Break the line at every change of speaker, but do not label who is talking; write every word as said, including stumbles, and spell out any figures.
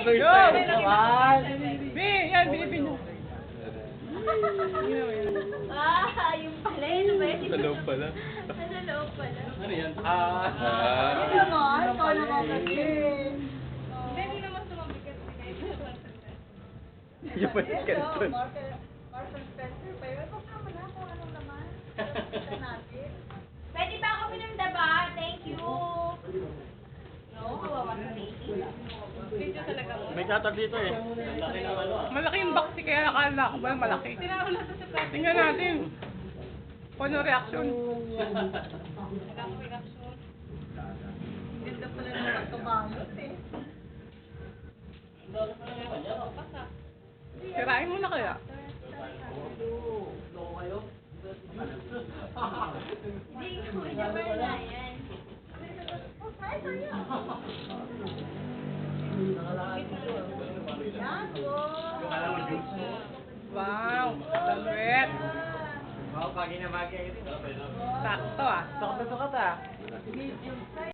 Tuloy
Go!
tayo naman.
B, yan, bilipin nyo.
Ah, yung pala, yun ba yun?
Sa loob pala.
Nasa loob pala.
Ano yan? Ah.
Hindi naman, ikaw naman kasi.
Hindi naman sumabigat na kayo sa pagsasabi.
Yung pa yung kanton.
Marshall Spencer pa yun. Ito naman na kung anong naman. Kita natin. Pwede ba ako pinamdaba? Thank you. No, kawawa sa baby.
Video talaga mo.
May katab dito eh. Laki ng ano ah.
Malaki yung box kaya nakala ko ba yung malaki?
Tinawag na sa plastic.
Tingnan natin. Kung ano reaction.
Nagkaka-reaction.
Ganda pala ng pagkabalot eh.
Basta.
Sirain mo na kaya.
Hindi ko naman na yan. Oh, kaya kaya. Yan,
Wow, salwet.
Wow, pagi na bagay.
Sakto ah.
Sukat na sukat ah.